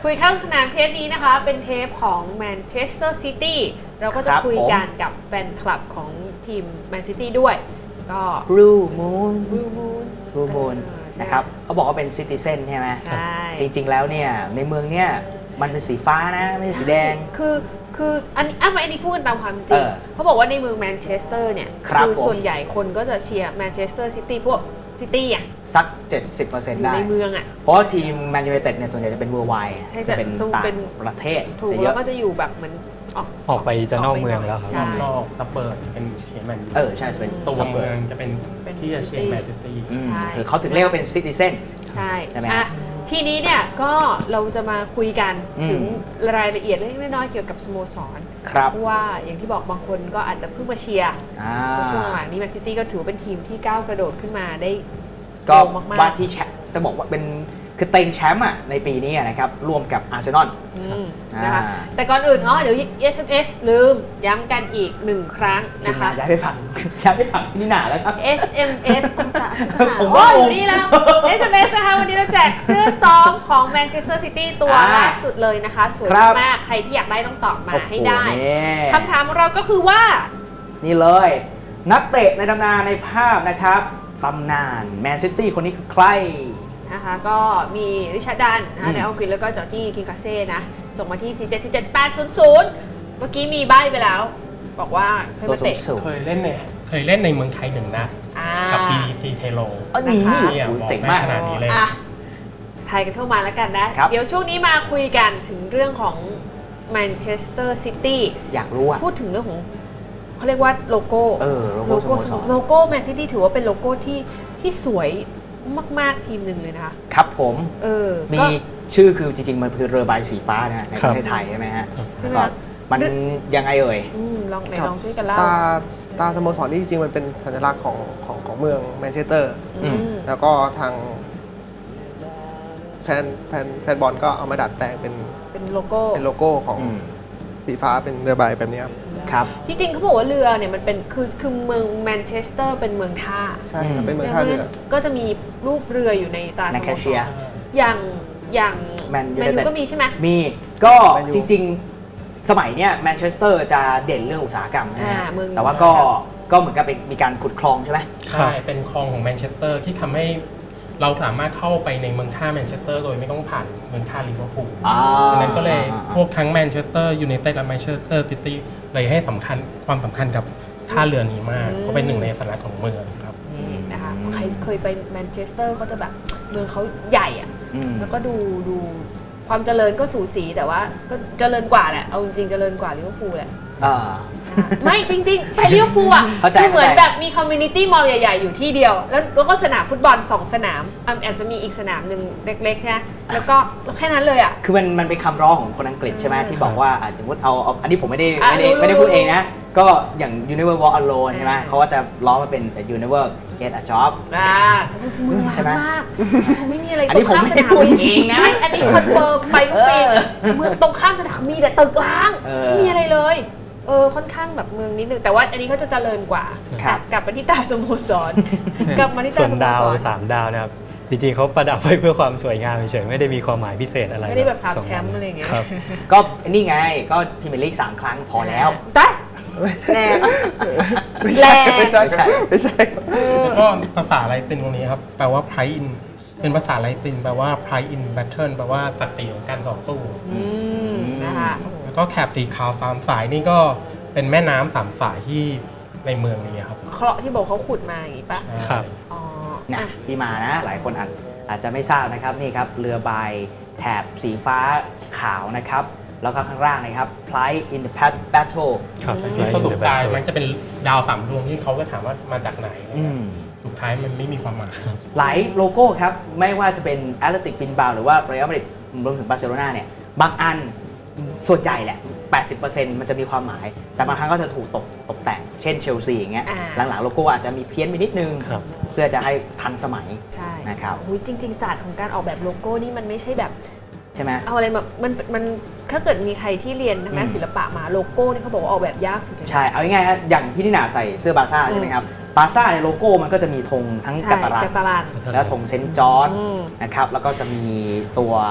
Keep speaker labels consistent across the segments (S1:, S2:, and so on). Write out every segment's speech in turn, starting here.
S1: คุยข้างสนามเทปนี้นะคะเป็นเทปของแมนเชสเตอร์ซิตี้เราก็จะคุยกันกับแฟนคลับของทีมแมนซิตี้ด้วยก็
S2: Blue Moon นะครับเขาบอกว่าเป็นซิติเซนใช่ไหมจริงๆแล้วเนี่ยในเมืองเนี่ยมันเป็นสีฟ้านะไม่ใช่สีแดง
S1: คืออันนี้พูดกันตามความจริงเขาบอกว่าในเมืองแมนเชสเตอร์เนี่ยคือส่วนใหญ่คนก็จะเชียร์แมนเชสเตอร์ซิตี้พวกซิตี้อ่ะ
S2: สัก 70% ได้
S1: ในเมืองอ่ะ
S2: เพราะทีมแมนยูไนเต็ดเนี่ยส่วนใหญ่จะเป็นเวอร์ไวด์จะเป็นต่างประเทศ
S1: ถูกแล้วก็จะอยู่แบบเหมือน
S3: ออกไปจะนอกเมืองแล้วครับ
S4: นอกซับเบิร์บเป็นเชียร์แมนยู
S2: ใช่เป็น
S4: ตัวเมืองจะเป็นที่จะเชียร์แมนซิตี้
S2: คือเขาถึงเรียกว่าเป็นซิติเซนใช่ไหม
S1: ทีนี้เนี่ยก็เราจะมาคุยกันถึงรายละเอียดเล็กน้อยเกี่ยวกับสโมสรเพราะว่าอย่างที่บอกบางคนก็อาจจะเพิ่งมาเชียร์ช่วงหลังนี้แมนซิตี้ก็ถือเป็นทีมที่ก้าวกระโดดขึ้นมาได้
S2: ก็ว่าที่จะบอกว่าเป็นคือเต็งแชมป์ในปีนี้นะครับร่วมกับอาร์เซนอล
S1: นะคะแต่ก่อนอื่นเดี๋ยว SMS ลืมย้ำกันอีก1ครั้งนะคะ
S2: ย้ายไปฝังนี่หนาแล้วครับ
S1: SMS โอ้ยนี่แล้ว SMS นะคะวันนี้เราแจกเสื้อซ้อมของ Manchester City ตัวล่าสุดเลยนะคะสวยมากใครที่อยากได้ต้องตอบมาให้ได้คำถามของเราก็คือว่า
S2: นี่เลยนักเตะในตำนานในภาพนะครับตำนานแมนซิตี้คนนี้คือใคร
S1: นะคะก็มีริชาร์ดดันในอังกฤษแล้วก็จอร์จี้คิงคาเซ่นะส่งมาที่4747800เมื่อกี้มีใบ้ไปแล้วบอกว่า
S4: เคยเล่นในเมืองไทย1 นัดกับปีเทโล
S2: นี่เจ๋งมาก
S4: ขนาดนี้เลย
S1: ไทยกันเข้ามาแล้วกันนะเดี๋ยวช่วงนี้มาคุยกันถึงเรื่องของแมนเชสเตอร์ซิตี้
S2: อยากรู้
S1: พูดถึงเรื่องของเขาเรียกว่าโลโก้โลโก้แมนซิตี้ถือว่าเป็นโลโก้ที่สวยมากๆทีมหนึ่งเลยนะคะ
S2: ครับผมมีชื่อคือจริงๆมันคือเรือใบสีฟ้านะในประเทศไทยใช่ไหมฮะก็มันยังไง
S1: ลองช่วยกันเล่า
S5: ตาสโมสรนี่จริงๆมันเป็นสัญลักษณ์ของเมืองแมนเชสเตอร์แล้วก็ทางแฟนบอลก็เอามาดัดแปลง
S1: เป็นโล
S5: โก้ของสีฟ้าเป็นเรือใบแบบนี้
S2: ครับ
S1: จริงๆเขาบอกว่าเรือเนี่ยมันเป็นคือเมืองแมนเชสเตอร์เป็นเมืองท่า
S5: ใช่เป็นเมืองท่าเรือ
S1: ก็จะมีรูปเรืออยู่ในตาสโมสรอย่างแมนยูก็มีใช่ไหม
S2: มีก็จริงๆสมัยเนี้ยแมนเชสเตอร์จะเด่นเรื่องอุตสาหกรรมนะแต่ว่าก็เหมือนกับมีการขุดคลองใช่ไหม
S4: ใช่เป็นคลองของแมนเชสเตอร์ที่ทำให้เราสามารถเข้าไปในเมืองท่าแมนเชสเตอร์โดยไม่ต้องผ่านเมืองท่าลิเวอร์พูลดังนั้นก็เลยพวกทั้งแมนเชสเตอร์ยูไนเต็ดและแมนเชสเตอร์ซิตี้เลยให้ความสำคัญกับท่าเรือนี้มากเพราะเป็นหนึ่งในสัญลักษณ์ของเมืองครับ
S1: นี่นะคะใครเคยไปแมนเชสเตอร์ก็จะแบบเมืองเขาใหญ่อะแล้วก็ดูความเจริญก็สูสีแต่ว่าก็เจริญกว่าแหละเอาจริงๆเจริญกว่าลิเวอร์พูลแหละไม่จริงๆไปลิเวอร์พูลอ่ะคือเหมือนแบบมีคอมมูนิตี้มอลล์ใหญ่ๆอยู่ที่เดียวแล้วก็สนามฟุตบอล2 สนามอาจจะมีอีกสนามหนึ่งเล็กๆนะแล้วก็แค่นั้นเลยอ่ะ
S2: คือมันเป็นคำร้องของคนอังกฤษใช่ไหมที่บอกว่าสมมติเอาอันนี้ผมไม่ได้พูดเองนะก็อย่าง Universe Walk Alone ใช่ไหมเขาก็จะร้องมาเป็น Universe Get a Job ใช่ไหม
S1: ไม่มีอะไร
S2: อันนี้ผมไม่ได้พูดเองนะ
S1: อันนี้คอนเฟิร์มไปทุกปีเมืองตรงข้ามสนามมีแต่ตึกร้างไม่มีอะไรเลยค่อนข้างแบบเมืองนิดนึงแต่ว่าอันนี้เขาจะเจริญกว่ากลับมาที่ตาสโมสรกลับมาที่ตาสโมสร
S3: ส่วนดาว3 ดาวนะครับจริงๆเขาประดับไว้เพื่อความสวยงามเฉยๆไม่ได้มีความหมายพิเศษอะไร
S1: ไม่ได้แบบ3 แชมป์อะไรอย่างเงี้ย
S2: ก็นี่ไงก็พรีเมียร์ลีก3 ครั้งพอแล้ว
S1: แต่แรง
S5: ไม่ใช่
S4: แล้วก็ภาษาไลตินตรงนี้ครับแปลว่า pride in เป็นภาษาไลตินแปลว่า pride in battle แปลว่าศักดิ์ศรีของการต่อสู้
S1: นะคะ
S4: แล้วก็แถบสีขาว3 สายนี่ก็เป็นแม่น้ำ3 สายที่ในเมืองนี้ครับ
S1: เคราะห์ที่บอกเขาขุดมาอย่างนี้ปะ
S4: ครับ
S2: เนี่ยที่มานะหลายคนอาจจะไม่ทราบนะครับนี่ครับเรือใบแถบสีฟ้าขาวนะครับแล้วก็ข้างล่างนะครับ Pride in the Battle
S4: สรุปท้ายมันจะเป็นดาว3 ดวงที่เขาก็ถามว่ามาจากไหนสุดท้ายมันไม่มีความหมาย
S2: หลายโลโก้ครับไม่ว่าจะเป็น Athletic Bilbao หรือว่า Real Madrid รวมถึงบาร์เซโลนาเนี่ยบางอันส่วนใหญ่แหละ 80% มันจะมีความหมายแต่บางครั้งก็จะถูกตกแต่งเช่นเชลซีอย่างเงี้ยหลังๆโลโก้อาจจะมีเพี้ยนไปนิดนึงเพื่อจะให้ทันสมัยนะครับ
S1: จริงๆศาสตร์ของการออกแบบโลโก้นี่มันไม่ใช่แบบ
S2: ใช่ไหม
S1: เอาอะไรแบบมันถ้าเกิดมีใครที่เรียนทางด้านศิลปะมาโลโก้นี่เขาบอกว่าออกแบบยากสุด
S2: ใช่เอาง่ายๆอย่างพี่นิน่าใส่เสื้อบาร์ซ่าใช่ไหมครับบาร์ซ่าในโลโก้มันก็จะมีธงทั้งกาตาลันและธงเซนต์จอร์จนะครับแล้วก็จะมีตัว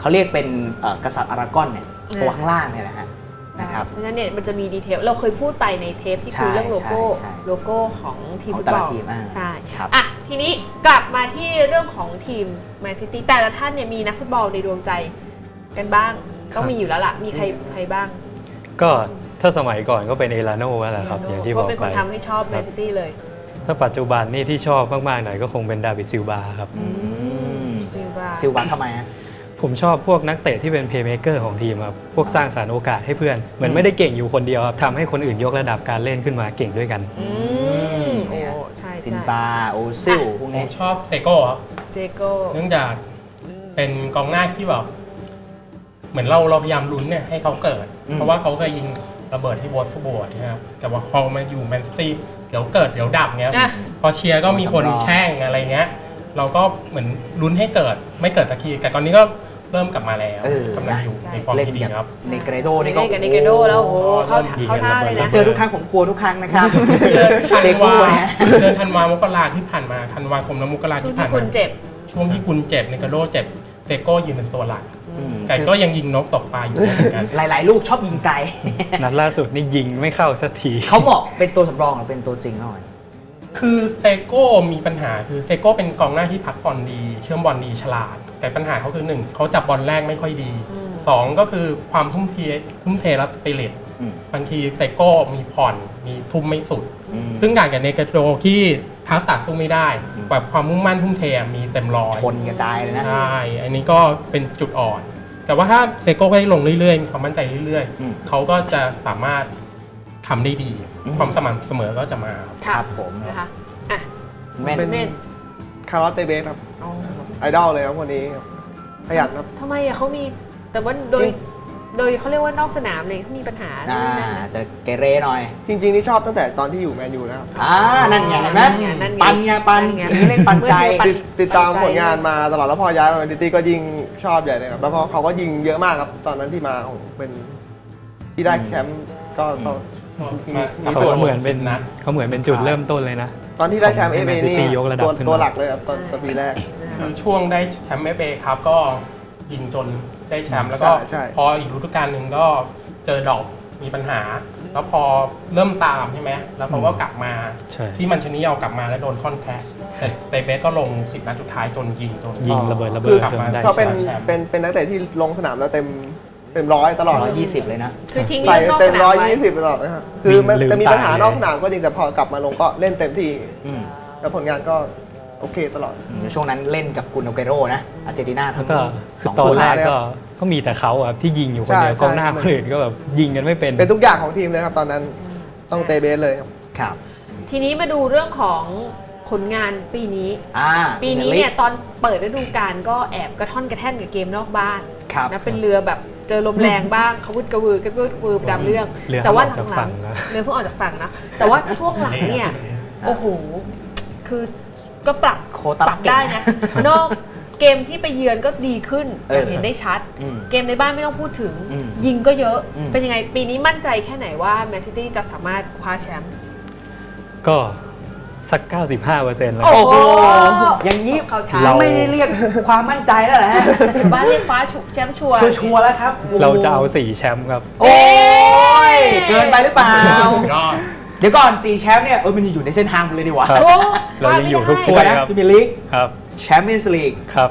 S2: เขาเรียกเป็นกษัตริย์อารากอนเนี่ยตัวข้างล่างเนี่ยนะฮะนะครับ
S1: เพราะฉะนั้นเนี่ยมันจะมีดีเทลเราเคยพูดไปในเทปที่คุยเรื่องโลโก้ของทีมฟุตบอลใช่อ่ะทีนี้กลับมาที่เรื่องของทีมแมนซิตี้แต่ละท่านเนี่ยมีนักฟุตบอลในดวงใจกันบ้างต้องมีอยู่แล้วล่ะมีใครบ้าง
S3: ก็ถ้าสมัยก่อนก็เป็นเอลาโน่แหละครับอย่างที่บอกไป
S1: เป็นคนทำให้ชอบแมนซิตี้เลย
S3: ถ้าปัจจุบันนี่ที่ชอบมากๆหน่อยก็คงเป็นดาวิดซิลบาครับ
S2: ซิลบาทำไมฮะ
S3: ผมชอบพวกนักเตะที่เป็นเพลย์เมคเกอร์ของทีมครับพวกสร้างสรรค์โอกาสให้เพื่อนเหมือนไม่ได้เก่งอยู่คนเดียวครับทำให้คนอื่นยกระดับการเล่นขึ้นมาเก่งด้วยกัน
S1: ใช่
S2: ซิลบาโอซิลพวกนี้
S4: ชอบเซโก้ครับ
S1: เซโก้
S4: เนื่องจากเป็นกองหน้าที่แบบเหมือนเราพยายามลุ้นเนี่ยให้เขาเกิดเพราะว่าเขาเคยยิงระเบิดที่วอตส์บอร์ดนะครับแต่ว่าพอมาอยู่แมนซิตี้เดี๋ยวเกิดเดี๋ยวดับเงี้ยพอเชียร์ก็มีคนแช่งอะไรเงี้ยเราก็เหมือนลุ้นให้เกิดไม่เกิดสักทีแต่ตอนนี้ก็เริ่มกลับมาแล้วกำลังอยู่ในฟอร์มที่ดีครับ
S2: ในเกรโดนี่ก็
S1: ในเกรโดแล้วโอ้เข้าท่าเลยนะ
S2: เจอทุกครั้งผมกลัวทุกครั้งนะครับ
S4: เซโก้เดือนธันวามกราที่ผ่านมาธันวาคมและมกราที่ผ่านมาช่วงที่คุณเจ็บในเกรโดเจ็บเซโก้ยืนเป็นตัวหลักไก่ก็ยังยิงนกตกปลาอยู่เหมือนกัน
S2: หลายๆลูกชอบยิงไกล
S3: นัดล่าสุดนี่ยิงไม่เข้าสักที
S2: เขาบอกเป็นตัวสำรองหรือเป็นตัวจริงหน่อย
S4: คือเซโก้มีปัญหาคือเซโก้เป็นกองหน้าที่พักบอลดีเชื่อมบอลดีฉลาดแต่ปัญหาเขาคือ1เขาจับบอลแรกไม่ค่อยดี2ก็คือความทุ่มเทและสปิริตบางทีเซโก้มีผ่อนมีทุ่มไม่สุดซึ่งต่างกับเนเกโรที่ทักษะสู้ไม่ได้แบบความมุ่งมั่นทุ่มเทมีเต็มร้อย
S2: คนกระจายเลยนะ
S4: ใช่อันนี้ก็เป็นจุดอ่อนแต่ว่าถ้าเซโก้ได้ลงเรื่อยๆมีความมั่นใจเรื่อยๆเขาก็จะสามารถทำได้ดีความสม่ำเสมอก็จะมา
S2: ครับผม
S1: นะคะอ่ะ
S5: เป็นคาร์ลอสเตเบสครับไอดอลเลยครับคนนี้ขยันครับ
S1: ทำไมเขามีแต่ว่าโดยเขาเรียกว่านอกสนามเลยเขามีปัญหา
S2: จะเกเรหน่อย
S5: จริงๆนี่ชอบตั้งแต่ตอนที่อยู่แมนยูแล้ว
S2: นั่นไงเห็นไหมปันเล่นปันใจ
S5: ติดตามผลงานมาตลอดแล้วพอย้ายมาแมนซิตี้ก็ยิ่งชอบใหญ่เลยครับแล้วก็เขาก็ยิงเยอะมากครับตอนนั้นที่มาเป็นที่ได้แชมป์ก็
S3: เขาเหมือนเป็นจุดเริ่มต้นเลยนะ
S5: ตอนที่ได้แชมป์เอเอนี่ตัวหลักเลยครับตอนปีแรก
S4: คือช่วงได้แชมป์เอเอครับก็ยิงจนได้แชมป์แล้วก็พออีกฤดูกาลหนึ่งก็เจอดอกมีปัญหาแล้วพอเริ่มตามใช่ไหมแล้วเขาก็กลับมาที่มันชนิเอากลับมาแล้วโดนค่อนแพ้แต่เบสก็ลง10 นัดสุดท้ายจนยิง
S3: ระเบิด
S5: กลับมาได้เขาเป็นนักเตะที่ลงสนามแล้วเต็ม100ตลอด
S2: 120เลยนะ
S1: คือทิ้ง
S5: เต็ม120ตลอดนะครับคือมันจะมีปัญหานอกสนามก็จริงแต่พอกลับมาลงก็เล่นเต็มที่แล้วผลงานก็โอเคตลอด
S2: ช่วงนั้นเล่นกับกุนโอเกโรนะอาร์เจนตินาทั้ง
S3: 2 ตอนแรกก็มีแต่เขาครับที่ยิงอยู่คนเดียวกองหน้าคนอื่นก็แบบยิงกันไม่เป็น
S5: ทุกอย่างของทีมเลยครับตอนนั้นต้องเตเบสเลย
S2: ครับ
S1: ทีนี้มาดูเรื่องของผลงานปีนี้เนี่ยตอนเปิดฤดูกาลก็แอบกระท่อนกระแท่นกับเกมนอกบ้านนะเป็นเรือแบบเจอลมแรงบ้างเขาวุดกระวือดำเรื่องแต่ว่าหลังๆเรือเพิ่งออกจากฝั่งนะแต่ว่าช่วงหลังเนี่ยโอ้โหคือก็ปรับได้นะนอกเกมที่ไปเยือนก็ดีขึ้นเห็นได้ชัดเกมในบ้านไม่ต้องพูดถึงยิงก็เยอะเป็นยังไงปีนี้มั่นใจแค่ไหนว่าแมนซิตี้จะสามารถคว้าแชมป์
S3: ก็สัก 95% แล้ว
S2: โอ้โหอย่างนี้เราไม่ได้เรียกความมั่นใจแล้วแหละ
S1: บ้านเรียกคว้าแชมป์ชัว
S2: ร์แล้วครับ
S3: เราจะเอา4 แชมป์ครับ
S2: โอ้ยเกินไปหรือเปล่าเดี๋ยวก่อน4 แชมป์เนี่ยมันอยู่ในเส้นทางเลยดีกว่า
S3: เรายังอยู่ทุกถ้วยครับ
S2: พรีเมียร์ลีก
S3: ครับ
S2: แชมเปี้ยนส์ลีก
S3: ครับ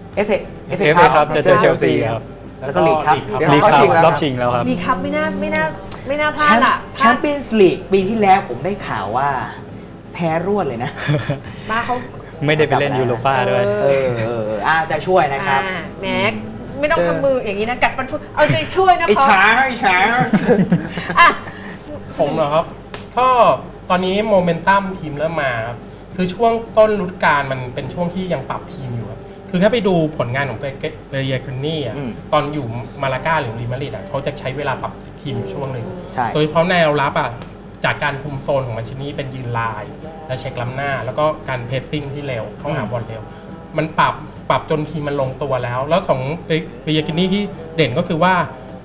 S2: FA
S3: ครับจะเจอเชลซีครับ
S2: แล้วก็ลีกครับ
S3: รอบชิงแล้วครับ
S1: ลีกครับไม่น่าพลาดอ่ะ
S2: แชมเปี้ยนส์ลีกปีที่แล้วผมได้ข่าวว่าแพ้รวดเลยนะ
S1: มาเขา
S3: ไม่ได้ไปเล่นยูโรป้าด้วย
S2: จะช่วยนะครับ
S1: แม็กไม่ต้องทำมืออย่างนี้นะกัดฟันพูดเอาใจช่วยนะ
S2: ไอ้ช้า
S4: ผมเหรอครับก็ตอนนี้โมเมนตัมทีมเริ่มมาครับคือช่วงต้นฤดูกาลมันเป็นช่วงที่ยังปรับทีมอยู่ครับคือถ้าไปดูผลงานของเบเรียกนี่ตอนอยู่มาลาก้าหรือรีมาริดเขาจะใช้เวลาปรับทีมช่วงหนึ่งโดยเฉพาะแนวรับจากการคุมโซนของมันชินี่เป็นยืนลายและเช็คล้ำหน้าแล้วก็การเพสซิ่งที่เร็วเข้าหาบอลเร็วมันปรับจนทีมมันลงตัวแล้วของเบเรียกนี่ที่เด่นก็คือว่า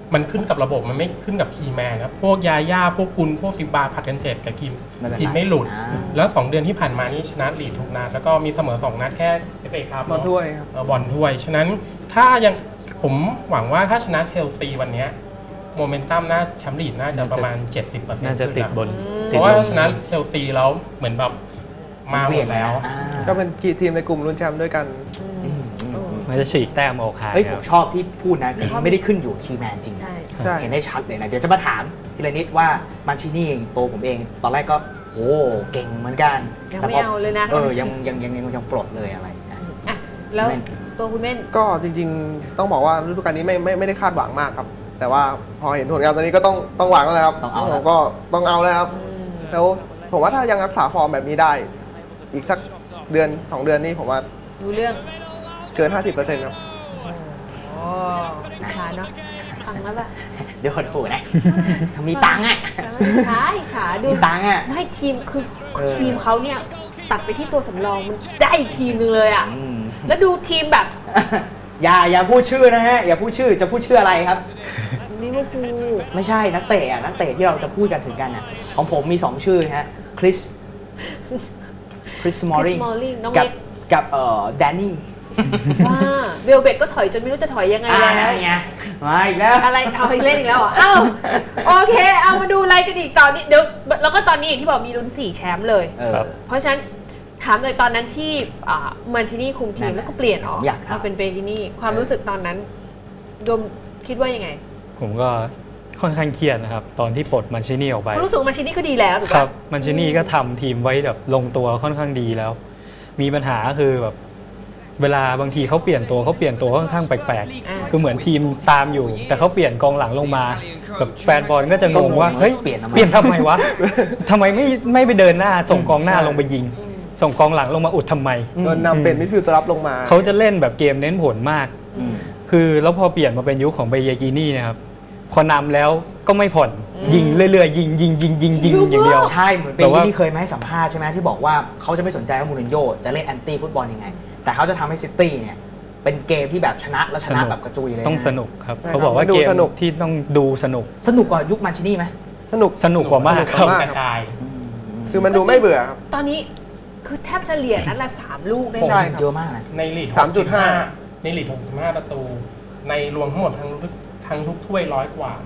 S4: มันขึ้นกับระบบมันไม่ขึ้นกับทีมแมนครับพวกยาย่าพวกกุลพวกซิบาผัดกันเจ็บกับทีมไม่หลุดแล้ว2 เดือนที่ผ่านมานี่ชนะลีดทุกนัดแล้วก็มีเสมอ2 นัดแค่FAครับ
S5: บอลถ้วย
S4: บอลถ้วยฉะนั้นถ้ายังผมหวังว่าถ้าชนะเชลซีวันนี้โมเมนตัมน่าแชมป์ลีดน่าจะประมาณ 70%
S3: น่าจะติดบน
S4: เพราะว่าชนะเชลซีแล้วเหมือนแบบมาหมดแล้ว
S5: ก็เป็นทีมในกลุ่มลุ้นแชมป์ด้วยกัน
S3: มันจะฉีกแต้มออกห่าง
S2: ผมชอบที่พูดนะไม่ได้ขึ้นอยู่คีย์แมนจริงเห็นได้ชัดเลยนะเดี๋ยวจะมาถามทีละนิดว่ามาชินี่ตัวผมเองตอนแรกก็โหเก่งเหมือนกัน
S1: ยังไม่เอาเลยนะ
S2: ยังปลดเลยอะไร
S1: แล้วตัวคุณเม่น
S5: ก็จริงๆต้องบอกว่าฤดูกาลนี้ไม่ได้คาดหวังมากครับแต่ว่าพอเห็นผลงานตอนนี้ก็ต้องหวังแล้วครับผมก็ต้องเอาแล้วครับแล้วผมว่าถ้ายังรักษาฟอร์มแบบนี้ได้อีกสักเดือน2 เดือนนี้ผมว่า
S1: รู้เรื่อง
S5: เกิน 50% ครับ
S1: โอ้ขาเนาะฟังแล้วป่ะ
S2: เดี๋ยวคนปู่นะมีตังค์อ่ะ
S1: ขาดู
S2: ตังค์อ่ะ
S1: ไม่ทีมคือทีมเขาเนี่ยตัดไปที่ตัวสำรองมันได้อีกทีมนึงเลยอ่ะแล้วดูทีมแบบ
S2: อย่าพูดชื่อนะฮะอย่าพูดชื่อจะพูดชื่ออะไรครับ
S1: ลิเวอร์พูล
S2: ไม่ใช่นักเตะที่เราจะพูดกันถึงกันอ่ะของผมมี2 ชื่อฮะคริสมอริงกับแดนนี่
S1: เวลเบกก็ถอยจนไม่รู้จะถอยยังไงแล้ว
S2: มาอีกแล้ว
S1: อะไรเอาอีกเล่นอีกแล้วเหรออ้าวโอเคเอามาดูอะไรกันอีกตอนนี้เดี๋ยวแล้วก็ตอนนี้อย่างที่บอกมีลุ้น4 แชมป์เลยเพราะฉะนั้นถามเลยตอนนั้นที่มันชินี่คุมทีมแล้วก็เปลี่ยนออกมาเป็นเบกินี่ความรู้สึกตอนนั้นโดมคิดว่ายังไง
S3: ผมก็ค่อนข้างเครียดนะครับตอนที่ปลดมันชินี่ออกไป
S1: รู้สึกมันชินี่ก็ดีแล้วถูกไหมครับ
S3: มันชินี่ก็ทำทีมไว้แบบลงตัวค่อนข้างดีแล้วมีปัญหาคือแบบเวลาบางทีเขาเปลี่ยนตัวค่อนข้างแปลกๆคือเหมือนทีมตามอยู่แต่เขาเปลี่ยนกองหลังลงมาแบบแฟนบอลก็จะงงว่าเฮ้ยเปลี่ยนทำไมวะทำไมไม่ไปเดินหน้าส่งกองหน้าลงไปยิงส่งกองหลังลงมาอุดทำไม
S5: โดนนำเป็นมิดฟิลด์ตัวรับลงมา
S3: เขาจะเล่นแบบเกมเน้นผลมากคือแล้วพอเปลี่ยนมาเป็นยุคของเบเยกินี่นะครับพอนำแล้วก็ไม่ผ่อนยิงเรื่อยๆยิงอย่างเดียว
S2: ใช่เหมือนเป็นที่เคยมาให้สัมภาษณ์ใช่ไหมที่บอกว่าเขาจะไม่สนใจว่ามูรินโญ่จะเล่นแอนตี้ฟุตบอลยังไงแต่เขาจะทำให้ซิตี้เนี่ยเป็นเกมที่แบบชนะและชนะแบบกระจุยเลย
S3: ต้องสนุกครับเขาบอกว่าเกมที่ต้องดูสนุก
S2: กว่ายุคมันชินี่ไหม
S3: สนุกกว่ามากครับ
S5: คือมันดูไม่เบื่อครับ
S1: ตอนนี้คือแทบเฉลี่ยนั้นละ3 ลูกได้
S2: เยอะมากนะ
S4: ในลีก 3.5 ในลีก 65 ประตูในรวมทั้งหมดทั้งทุกถ้วย100 กว่า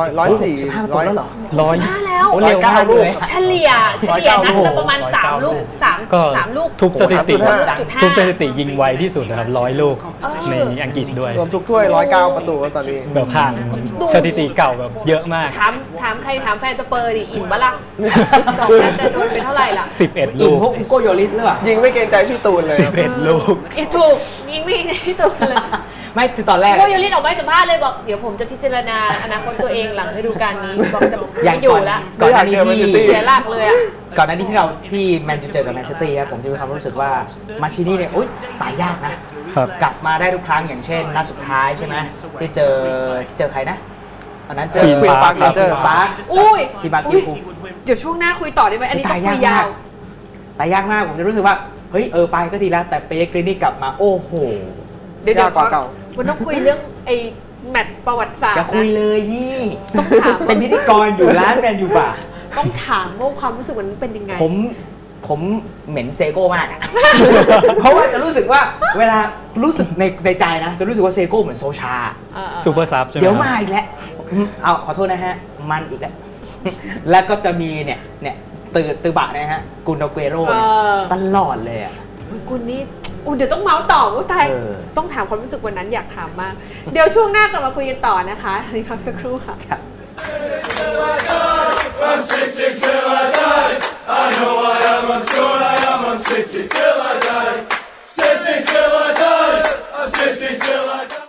S5: 104
S2: แล้วเหรอ
S1: 105แล้ว
S2: เร็วมากเลย
S1: เฉลี่ยนัดละประมาณ3 ลูก3 ลูก
S3: ทุบสถิติยิงไวที่สุดนะครับ100 ลูกในอังกฤษด้วย
S5: รวมทุกถ้วย109 ประตูตอนนี้
S3: แบบผ่านสถิติเก่าแบบเยอะมาก
S1: ถามใครถามแฟนสเปอร์ดิอิ่มปะล่ะ2 นัดจะโดนไปเท่าไหร่ล่ะ
S3: 11 ลูก
S2: พวกโกโยลิสหรือเปล่า
S5: ยิงไม่เกรงใจพี่ตูนเลย
S3: 11 ลูก
S1: ถูกยิงไม่เกรงใจพี่ตูนเลย
S2: ไม่คือตอนแรก
S1: โกโยลิสออกมาสัมภาษณ์เลยบอกเดี๋ยวผมจะพิจารณาอนาคตตัวเองหลังฤดูกาลนี้บอกจะไม่อยู่แล้ว
S2: ก่อนหน้านี้ที่
S1: เสียหลักเลยอ่ะ
S2: ก่อนหน้านี้ที่เราที่แมนยูเจอกับแมนเชสเตอร์ผมจะมีความรู้สึกว่ามาชินี่เนี่ยตายยากนะกลับมาได้ทุกครั้งอย่างเช่นนัดสุดท้ายใช่ไหมที่เจอใครนะตอนนั้นเจอ
S5: ควีนปาร์ค
S2: ที่บาร์คิว
S1: เดี๋ยวช่วงหน้าคุยต่อได้ไหมอันนี้ต้องคุยยาว
S2: ตายยากมากผมจะรู้สึกว่าเฮ้ยไปก็ดีแล้วแต่เปเยกรีนี่กลับมาโอ้โห
S1: เดี๋ยวมันต้องคุยเรื่องไอ้แมตช์ประวัติศาสตร์
S2: อย่าคุยเลยนี่ต้องถามเป็นพิธีกรอยู่ร้านแมนยูป่ะ
S1: ต้องถามว่าความรู้สึกวันนั้นเป็นยังไง
S2: ผมเหม็นเซโก้มากเพราะว่าจะรู้สึกว่าเวลารู้สึกในใจนะจะรู้สึกว่าเซโก้เหมือนโซชา
S3: ซูเปอร์ซับใช่ไหม
S2: เดี๋ยวมาอีกแล้วเอาขอโทษนะฮะมันอีกแล้วแล้วก็จะมีเนี่ยตือบะนะฮะกุนโดเกโร่ตลอดเลยอ่ะ
S1: กุนนี่เดี๋ยวต้องเมาส์ต่อว่าตายต้องถามความรู้สึกวันนั้นอยากถามมากเดี๋ยวช่วงหน้ากลับมาคุยกันต่อนะคะนี่พักสักครู่ค่ะ